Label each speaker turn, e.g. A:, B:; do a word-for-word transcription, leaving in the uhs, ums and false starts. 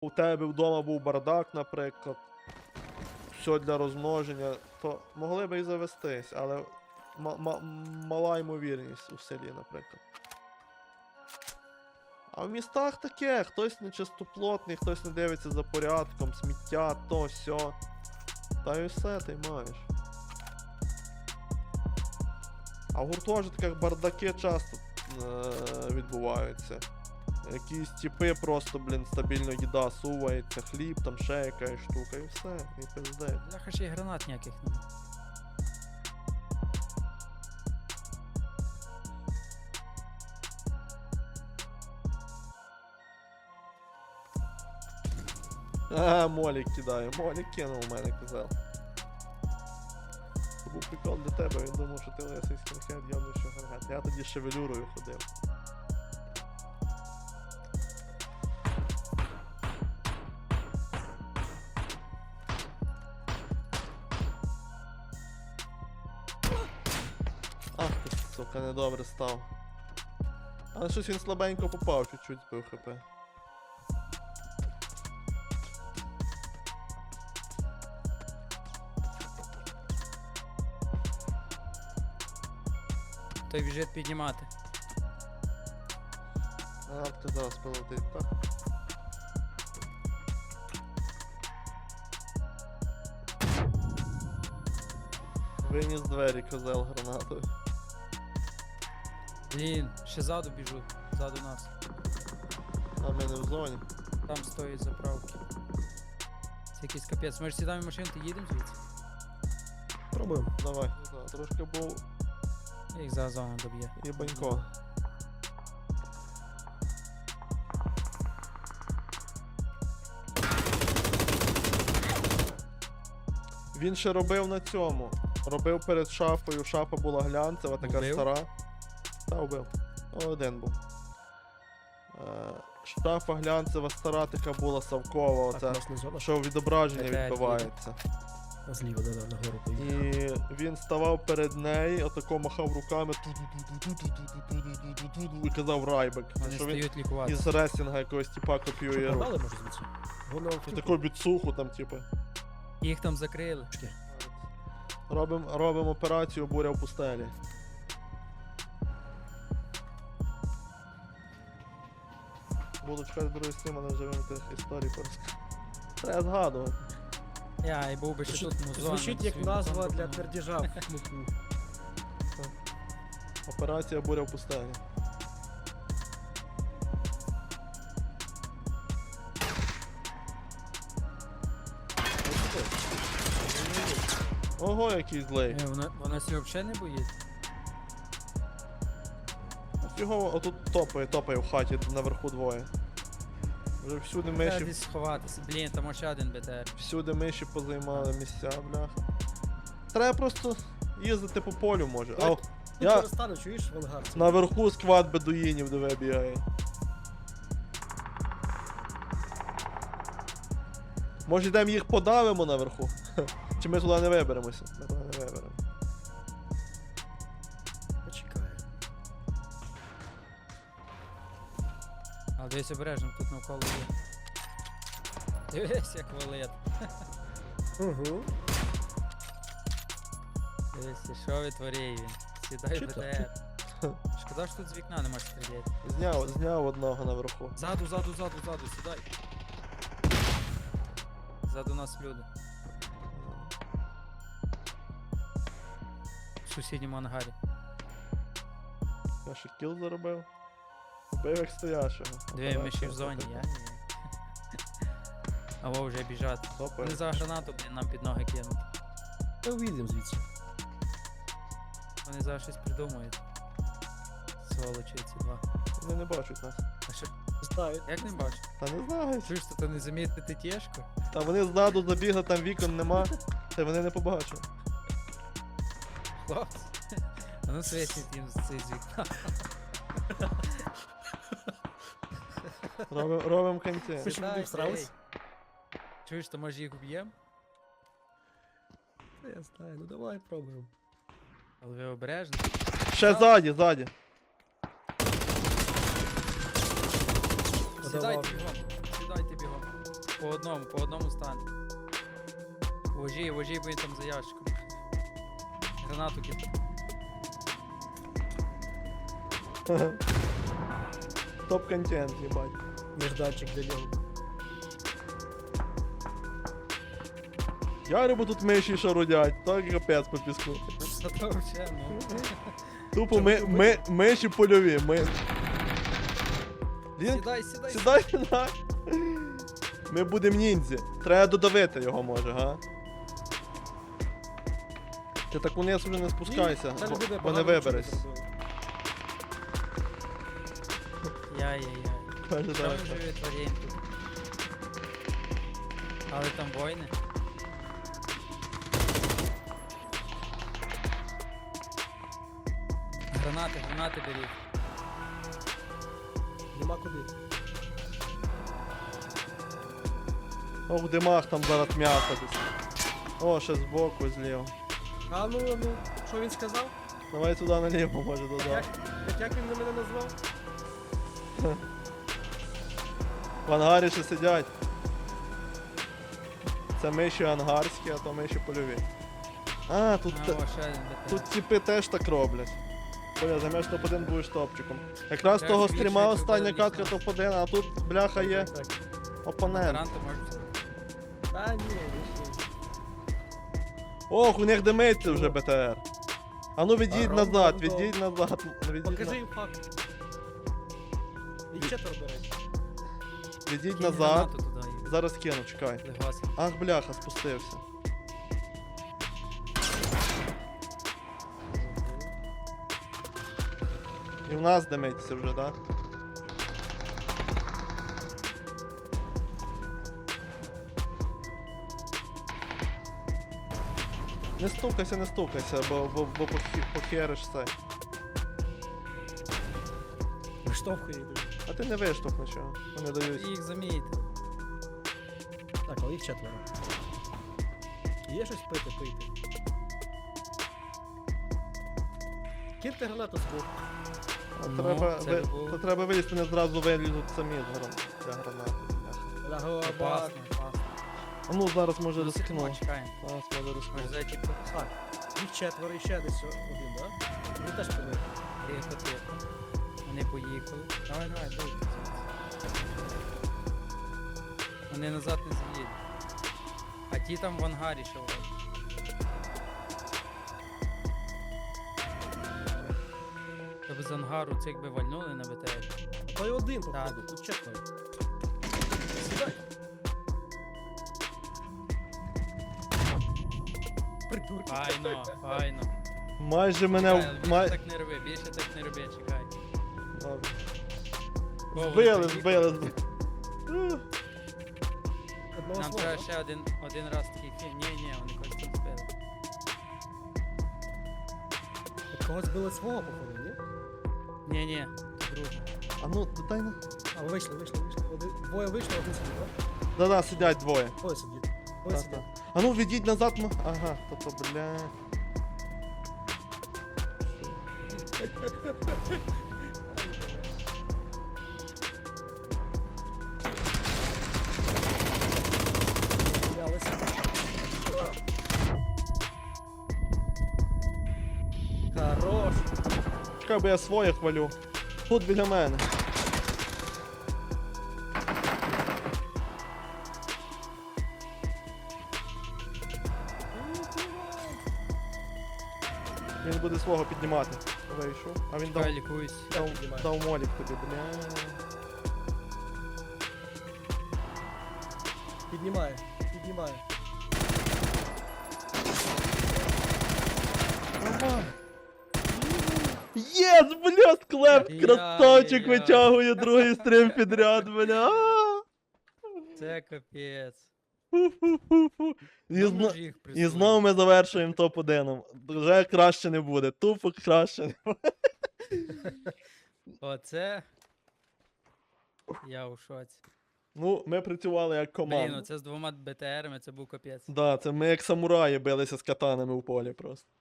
A: у тебе вдома був бардак, наприклад, все для розмноження, то могли би і завестись, але мала ймовірність у селі, наприклад. А в містах таке, хтось нечистоплотний, хтось не дивиться за порядком, сміття, то, сьо. Та й все, ти маєш. А в гуртожитках бардаки часто е відбуваються. Якісь типи просто, блін, стабільно їда сувається, хліб, там ще якась штука, і все, і пиздець.
B: Бляха, ще й гранат ніяких нема.
A: А, молік кидає, молік кинув у мене, казав. Це був прикол для тебе, він думав, що ти лисий скінхед, явно що гаргат. Я тоді шевелюрою ходив. Ах ти, сука, недобре став. Але щось він слабенько попав, чуть-чуть збив хп.
B: Той біжить піднімати.
A: А, ти зараз полетить, так? Виніс двері, козел гранатою.
B: Блін, ще ззаду біжу, ззаду нас.
A: А ми не в зоні.
B: Там стоїть заправки. Це якийсь капець. Ми ж сідаємо в машину, ти їдемо звідси?
C: Пробуємо.
A: Давай. Трошки був
B: Їх за зону доб'є.
A: єбанько. Він ще робив на цьому. Робив перед шафою. Шафа була глянцева, така
B: Вбив?
A: стара. Та, вбив. Один був. Е, шафа глянцева стара така була, совкова,
C: Так, у
A: оця.
C: нас не зона.
A: Що відображення
B: Така, як
A: відбивається.
C: Зліва, да, да, нагору поїхав.
A: І він ставав перед нею, отако махав руками ту-ду-ду-ду-ду-ду-ду-ду-ду-ду-ду і казав райбек.
B: Вони
A: Що він
B: стають лікувати.
A: із ресінга якогось типа
C: Що,
A: копіює.
C: погнали, може, звідси? Воно
A: І таку біцуху там, типу.
B: Їх там закрили.
A: Робим, робим операцію буря в пустелі. Буду чекати другий стрім, але вже вам тих історій порозказати. Треба згадувати.
B: Я і був би ще
C: Звучить,
B: тут музон.
C: звучить як назва для твердіжа в муку.
A: Операція буря в пустелі. Ого, який злий.
B: Е, Вона, вона сі взагалі не боїться.
A: Його отут топає, топає в хаті наверху двоє. Вже всюди
B: Треба
A: миші,
B: десь сховатися. Блін, там ще один БТР.
A: всюди миші позаймали місця, бляха. Треба просто їздити по полю, може. А,
C: Я
A: я
C: перестану, чуєш, в ангар?
A: наверху сквад бедуїнів диви бігає. Може йдемо їх подавимо наверху? Чи ми туди не виберемося? Ми туди не виберемо.
C: Почекаю.
B: Але дивись обережно, тут навколо є. Дивись, як валет.
C: Угу.
B: Дивись, що витворяє він. Сідай
C: Чи
B: в
C: то?
B: БТР. Шкода, що тут з вікна не можеш стріляти.
A: Зняв, зняв одного наверху.
B: Ззаду, ззаду, ззаду, ззаду, сідай. Ззаду нас люди. В сусідньому ангарі.
A: Я ще кіл заробив. Вбив як стоящого.
B: Дві ми ще в зоні, я ні. Або вже біжать.
A: Топає.
B: Вони за гранату, блін, нам під ноги кинуть.
C: Та вийдемо звідси.
B: Вони зараз щось придумають. Сволочі ці два.
A: Вони не бачать нас.
B: А що,
C: Знаю.
B: як не бачиш?
A: Та не знають.
B: Чуєш, то не замітити тєшку?
A: Та вони ззаду забігли, там вікон нема. Та вони не побачили.
B: Хлопці. А ну світить їм з цей з вікна.
A: Робим, робим кінці.
C: Хоч
B: Сідай,
C: вони всрались?
B: ей. Чуєш, то може їх вб'єм?
C: Та я знаю, ну давай пробуємо.
B: Але ви обережно.
A: Ще ззаді, ззаді.
B: Сідайте бігом. Сідайте бігом. по одному, по одному стане. Вожі, вожі, бо він там за ящиком. Гранату кидає.
A: Топ-контент, їбать.
C: Нежданчик для нього.
A: Ярибо тут миші шарудять, так капець по піску.
B: Та то вже, ну.
A: Тупо ми, ми, миші польові, ми... Він...
B: Сідай, сідай.
A: Сідай на. Ми будемо ніндзі. Треба додавити його може, га? Ти так униз вже не спускайся,
C: Це
A: бо,
C: буде
A: бо не
C: погано,
A: вибереш.
C: що ви зробили.
B: Яй-яй-яй.
A: Каже,
B: Що
A: так.
B: ми вже відтворюємо тут? Але там воїни. Гранати, гранати беріть.
C: Нема куди.
A: О, в димах там зараз м'ясо десь. О, ще збоку, зліво.
C: А ну, ну, що він сказав?
A: Давай туди наліво, може
C: Як,
A: додати.
C: як, як він на мене назвав?
A: В ангарі ще сидять. Це миші ангарські, а то миші польові. А, тут,
B: А,
A: те-
B: о, ще один БТР.
A: тут типи теж так роблять. Поля, займеш топ один, будеш топчиком. Якраз
B: Треба
A: того
B: більше,
A: стріма
B: щоб
A: остання
B: було
A: катка
B: вічно.
A: топ один, а тут бляха є
C: Так, так.
A: опонент.
B: Таранти можуть зробити.
C: Та ні, вийшли.
A: Ох, у них димиться вже БТР. А ну відійдь
C: А,
A: назад,
C: рандом.
A: відійдь назад. Відійдь,
C: Покажи
A: на...
C: їм факт. І четверо, до речі.
A: відійдь
B: Кинь
A: назад.
B: гранату туди і
A: Зараз кину, чекай.
B: легасим.
A: Ах, бляха, спустився. І в нас димиться вже, так? Не стукайся, не стукайся, бо, бо, бо похі- похериш це.
C: Виштовхує йдуть.
A: А ти не виштовх нічого. Вони дають.
B: Їх замієте.
C: Так, але їх четверо. Є щось пити, пийте. Киньте гранату з боку.
A: А
B: Ну,
A: треба,
B: це
A: ви,
B: любов.
A: то треба вилізти, не зразу вилізуть самі з гран... для гранати. бляха.
C: Лагоабад.
B: Опасно, опасно.
A: А ну зараз може
B: Ну, сидимо,
A: рискну.
B: чекаємо.
A: Зараз може
B: Може
A: рискну.
B: зайти по
C: Так, їх четверо і ще десь один, да? Він теж пили.
B: тихо, тихо. Вони поїхали. Давай, давай, дуй. Вони назад не заїдуть. А ті там в ангарі ще вроді. Тобто з ангару цих би вальнули на БТР.
C: А то й один,
B: Так.
C: походу, тут четверо. Сідай. Придурки.
B: Файно, файно.
A: Майже мене.
B: Чекай,
A: в-
B: але більше
A: Май...
B: так не роби, більше так не роби, чекай.
A: Добре.
B: О, вони
A: Збили,
B: поїхали.
A: збили, збили. Ух.
C: Одного
B: Нам
C: свого.
B: треба ще один, один раз такий фільм. Ні, ні, вони когось там збили.
C: От когось збили свого, походу, ні?
B: Ні, ні, друже.
A: А ну, дай на.
C: А, ви вийшли, вийшли, вийшли. Один, двоє вийшли, один сидить, так?
A: Да-да, сидять двоє.
C: Двоє сидять. Двоє
A: Так,
C: сидять.
A: так. А ну відійдь назад. м- Ага, то то, бля.
C: Сміялися. Хорош.
A: Чекай, бо я своє хвалю. Тут біля мене. Він буде свого піднімати. Вийшов. А він дав,
B: Чекай, лікуюсь.
C: Я
A: дав,
C: піднімаю.
A: дав молік тобі, бля.
C: Піднімає, піднімає.
A: Нормально. Єс, бля, склеп,
B: Я-
A: красавчик
B: я-
A: витягує другий стрім підряд, бля.
B: Це капець.
A: Фу-фу-фу-фу. І,
B: Нам
A: зно...
B: ж їх
A: І
B: присунули.
A: знову ми завершуємо топ один. Вже краще не буде. Тупо краще не буде.
B: Оце. Я у шоці.
A: Ну, ми працювали як
B: Блін,
A: команда.
B: оце з двома БТРами, це був капець.
A: Да, це ми як самураї билися з катанами в полі просто.